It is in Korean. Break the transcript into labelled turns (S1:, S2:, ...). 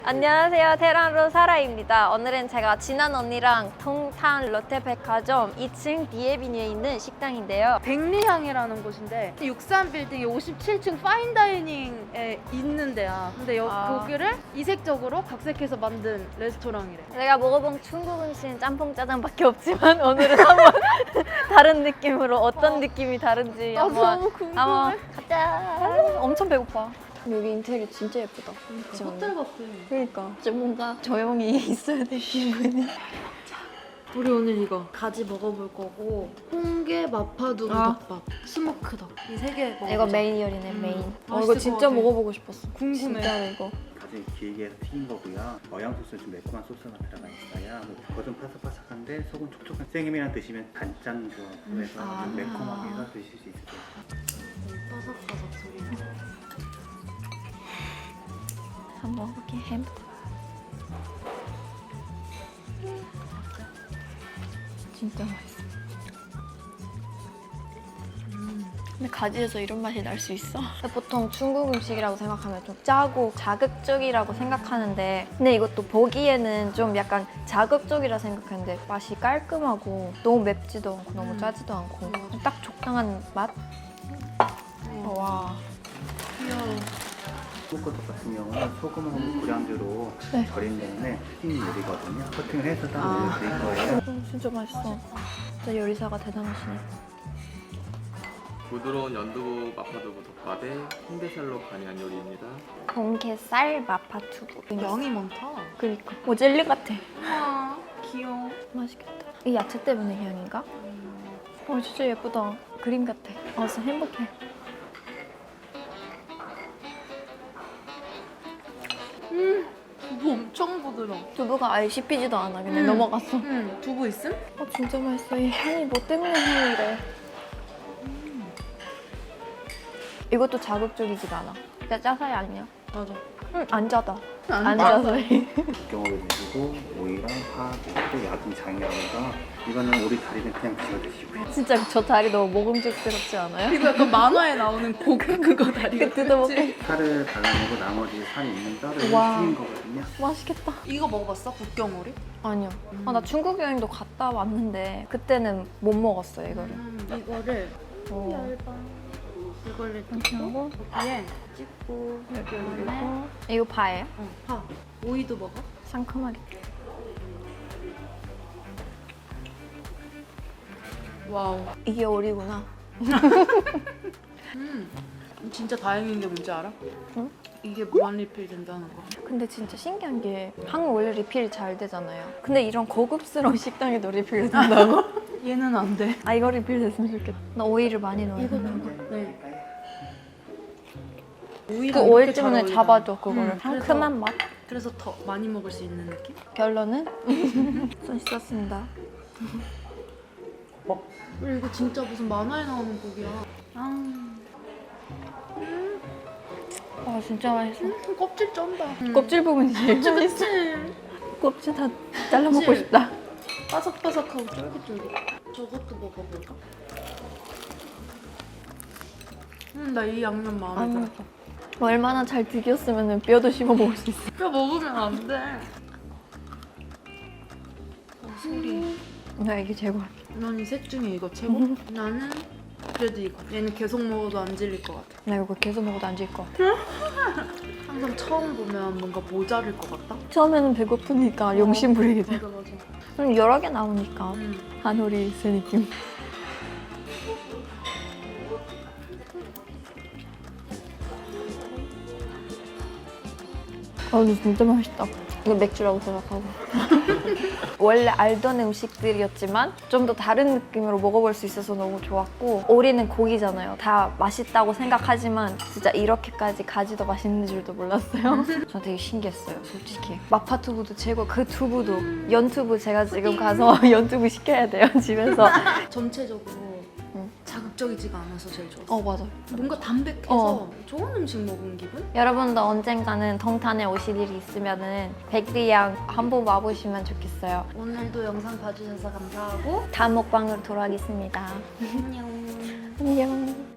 S1: 안녕하세요, 테란로 사라입니다. 오늘은 제가 진한 언니랑 동탄 롯데백화점 2층 디에비뉴에 있는 식당인데요.
S2: 백리향이라는 곳인데 63빌딩의 57층 파인다이닝에 있는 데야. 근데 거기를 이색적으로 각색해서 만든 레스토랑이래.
S1: 제가 먹어본 중국 음식은 짬뽕 짜장밖에 없지만 오늘은 한번 다른 느낌으로 어떤 느낌이 다른지
S2: 나도
S1: 한번
S2: 너무 궁금해.
S1: 한번 가자. 엄청 배고파. 여기 인테리어 진짜 예쁘다.
S2: 호텔 같아.
S1: 그러니까 좀 뭔가 조용히 있어야 될 기분이.
S2: 우리 오늘 이거 가지 먹어볼 거고 홍게 마파두부 덮밥, 스모크 덕 이 세 개 먹어보자.
S1: 이거 메인 요리네, 메인. 이거
S2: 맛있을
S1: 진짜
S2: 것 같아.
S1: 먹어보고 싶었어.
S2: 궁금해.
S1: 진짜 이거.
S3: 가지 길게 해서 튀긴 거고요. 어양 소스는 좀 매콤한 소스가 들어가 있어요. 겉은 바삭바삭한데 속은 촉촉한. 생햄이랑 드시면 간장 조합으로 해서 좀 매콤하게 해서 드실 수 있을 거예요.
S2: 바삭바삭 소리.
S1: 한번 먹어볼게. 햄. 진짜 맛있어. 근데 가지에서 이런 맛이 날 수 있어? 보통 중국 음식이라고 생각하면 좀 짜고 자극적이라고 생각하는데 근데 이것도 보기에는 좀 약간 자극적이라 생각했는데 맛이 깔끔하고 너무 맵지도 않고 너무 짜지도 않고 딱 적당한 맛? 와.
S2: 귀여워.
S3: 스모크떡 같은 경우는 소금하고 고량주로
S1: 네.
S3: 절인 다음에 튀긴 요리거든요. 코팅을 해서 따로 올려드릴 거예요.
S1: 진짜 맛있어. 진짜 요리사가 대단하시네.
S4: 부드러운 연두부 마파두부 덮밥에 홍게살로 간이한 요리입니다.
S1: 공게살 마파두부.
S2: 양이 많다.
S1: 그니까. 뭐 젤리 같아.
S2: 아, 귀여워.
S1: 맛있겠다. 이 야채 때문에 향인가? 진짜 예쁘다. 그림 같아. 진짜 행복해.
S2: 두부 엄청 부드러워.
S1: 두부가 아예 씹히지도 않아. 그냥
S2: 음.
S1: 넘어갔어.
S2: 두부 있음?
S1: 진짜 맛있어. 이 향이 뭐 때문에 향이래. 이것도 자극적이지가 않아. 진짜 짜사이 아니야.
S2: 맞아.
S1: 안 짜다.
S2: 안
S1: 안
S2: 짜다.
S1: 짜사이.
S3: 경험을 내시고 오이랑 파, 그리고 야금 장이라고 해서 이거는 우리 다리는 그냥 비워 드시고요.
S1: 진짜 저 다리 너무 먹음직스럽지 않아요?
S2: 이거 약간 만화에 나오는 그거 다리.
S1: 뜯어먹게.
S3: 살을 발라내고 나머지 살이 있는 뼈를
S1: 와.
S3: 튀긴 거거든요.
S1: 맛있겠다.
S2: 이거 먹어봤어? 북경오리?
S1: 아니요. 나 중국 여행도 갔다 왔는데 그때는 못 먹었어요, 이거를.
S2: 이거를
S1: 어.
S2: 이걸
S1: 이렇게
S2: 넣고
S1: 하고
S2: 여기에 찍고
S1: 이렇게 올리고. 이거 파예요?
S2: 파. 오이도 먹어?
S1: 상큼하게.
S2: 와우.
S1: 이게 오리구나.
S2: 진짜 다행인 게 뭔지 알아?
S1: 응?
S2: 이게 무한 리필 된다는 거.
S1: 근데 진짜 신기한 게 한국 원래 리필이 잘 되잖아요. 근데 이런 고급스러운 식당에도 리필이 된다고?
S2: 얘는 안 돼.
S1: 이거 리필 됐으면 좋겠다. 나 오이를 많이 넣어야
S2: 이거
S1: 되는데.
S2: 네.
S1: 그
S2: 오이가
S1: 오일
S2: 이렇게 잘
S1: 때문에
S2: 어울리잖아.
S1: 잡아줘, 그거를.
S2: 그래서-
S1: 상큼한 맛?
S2: 그래서 더 많이 먹을 수 있는 느낌?
S1: 결론은? 손 씻었습니다.
S2: 이거 진짜 무슨 만화에 나오는 고기야.
S1: 진짜 맛있어.
S2: 껍질 쩐다.
S1: 껍질 부분이 제일 맛있어.
S2: 그치?
S1: 껍질 다 잘라 먹고
S2: 그치?
S1: 싶다.
S2: 바삭바삭하고 쫄깃쫄깃. 저것도 먹어볼까? 나 이 양념 마음에 들어.
S1: 얼마나 잘 튀겼으면 뼈도 씹어 먹을 수 있어.
S2: 뼈 먹으면 안 돼. 소리.
S1: 나 이게 최고야.
S2: 난 이 셋 중에 이거 최고? 나는 그래도 이거. 얘는 계속 먹어도 안 질릴 것 같아.
S1: 나 이거 계속 먹어도 안 질 것 같아.
S2: 항상 처음 보면 뭔가 모자랄 것 같다?
S1: 처음에는 배고프니까 용심 부리게 돼.
S2: 맞아.
S1: 여러 개 나오니까 한우리 있을 느낌. 근데 진짜 맛있다. 이거 맥주라고 생각하고. 원래 알던 음식들이었지만 좀 더 다른 느낌으로 먹어볼 수 있어서 너무 좋았고 오리는 고기잖아요. 다 맛있다고 생각하지만 진짜 이렇게까지 가지도 맛있는 줄도 몰랐어요. 저 되게 신기했어요, 솔직히. 마파두부도 최고, 그 두부도. 연두부 제가 지금 가서 연두부 시켜야 돼요, 집에서.
S2: 전체적으로 자극적이지가 않아서 제일 좋았어.
S1: 맞아.
S2: 뭔가 담백해서 좋은 음식 먹은 기분?
S1: 여러분도 언젠가는 동탄에 오실 일이 있으면은 백리양 한번 와보시면 좋겠어요.
S2: 오늘도 영상 봐주셔서 감사하고
S1: 다음 먹방으로 돌아가겠습니다.
S2: 안녕.
S1: 안녕.